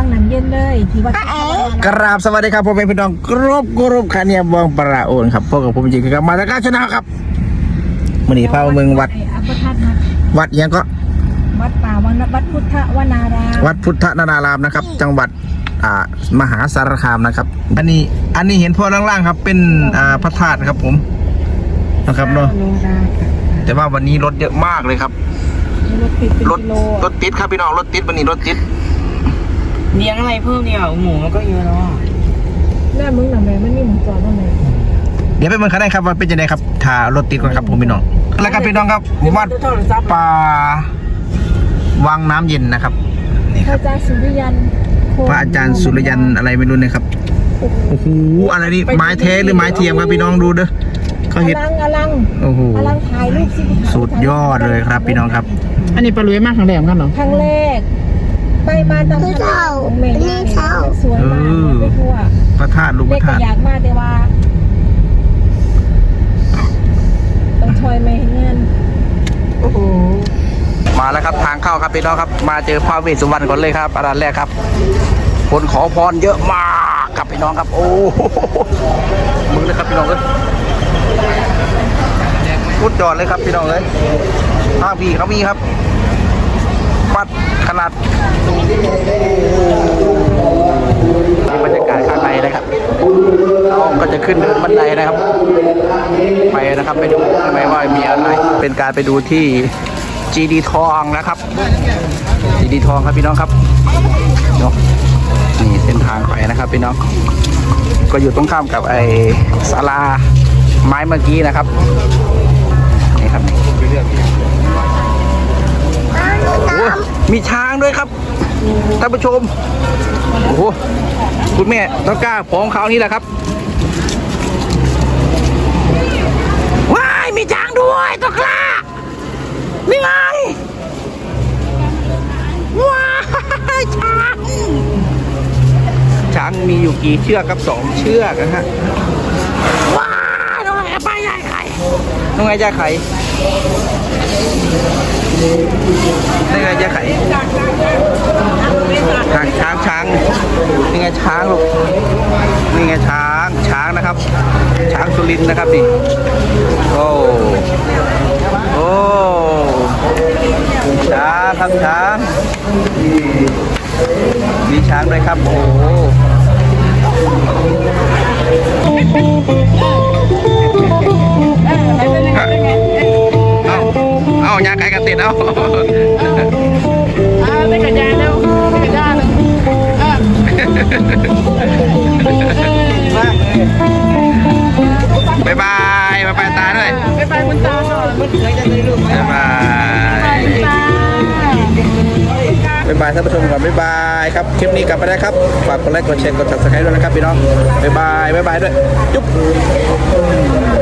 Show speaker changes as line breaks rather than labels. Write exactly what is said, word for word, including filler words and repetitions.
งน้ำเย็นเลยที่วัด
กราบสวัสดีครับผมเป็นพี่น้องกรุบกรุบคาเนียบองประโอนครับพวกกับผมจริงๆครับมาจากการชนะครับมันนี่พาเมืองวัดวัดยังก็
วัดป่าวัดวัดพุทธวนาราม
วัดพุทธนารามนะครับ จังหวัดอ่ามหาสารคามนะครับอันนี้อันนี้เห็นพ่อล่างๆครับเป็นอ่าพระธาตุครับผมนะครับเนาะแต่ว่าวันนี้รถเยอะมากเลยครับรถรถติดครับพี่น้องรถติดวันนี้รถติด
เลี้ยงอะไรเพิ่มเนี่ยหมูมันก็เยอะแล้ว
แม่มึงหน่ะแม่มันมีหมูจอดบ้างไหม
เดี๋ยวไปเมืองเขาได้ครับว่าเป็นยังไงครับถ้ารถติดก่อนครับผมพี่น้องแล้วก็พี่น้องครับวัดป่าวังน้ำเย็นนะครับนี่ครับ
พระอาจารย์สุริยัน
พระอาจารย์สุริยันอะไรไม่รู้นะครับโอ้โหอะไรนี่ไม้แท้หรือไม้เทียมครับพี่น้องดูเด้อเขาเห็น
อลังอลัง
โอ้โห
อลังถ่ายรูปสิ
สุดยอดเลยครับพี่น้องครับ
อันนี้ปลาลุยมากครั้งแรกกันเหรอ
ครั้งแรกไปมาตามทางของเมย์นี่สวยมากไปทั่ว
พระธาตุลูกพระธาตุ
อยากมากแต่ว่าต้องชอยไม่ให้เงิน
โอ้โหมาแล้วครับทางเข้าครับพี่น้องครับมาเจอพระเวสสุวรรณก่อนเลยครับอันดับแรกครับคนขอพรเยอะมากครับพี่น้องครับโอ้มึงเลยครับพี่น้องเลยพุดจอดเลยครับพี่น้องเลยห้าพี่เขามีครับวัดขนาดนี่บรรยากาศข้างในนะครับเราก็จะขึ้นเดินบันไดนะครับไปนะครับไปดูข้างในว่ามีอะไรเป็นการไปดูที่จีดีทองนะครับจีดีทองครับพี่น้องครับเนาะนี่เส้นทางไปนะครับพี่น้องก็อยู่ตรงข้ามกับไอ้ศาลาไม้เมื่อกี้นะครับนี่ครับโอ้มีช้างด้วยครับท่านผู้ชมโอ้โหคุณแม่ต้องกล้าของเขานี่แหละครับว้ายมีช้างด้วยต้องกล้านี่ไงว้ายช้างช้างมีอยู่กี่เชือกครับสองเชือกนะฮะว้ายน้องไงป้ายใหญ่ไข่น้องไงใหญ่ไข่นี่ไงใหญ่ไข่ช้างช้างช้างนี่ไงช้างลูกนี่ไงช้างช้างนะครับช้างสุรินทร์นะครับนี่โอ้โอ้ช้างครับช้างมีช้างด้วยครับโอ้เอาเอายาไก่กันติดเอา
ไม่กระจายแล้วไม่กระจายแล้ว
บายบายบายบายตาด้วย
บายบายคุณตาหน่อยมันเคยจะได้ลูก
บายบายบายบายท่านผู้ชมก่อนบายบายครับคลิปนี้กลับไปได้ครับฝากกดไลค์กดแชร์กด ซับสไครบ์ ด้วยนะครับพี่น้องบายบายบายบายด้วยจุ๊บ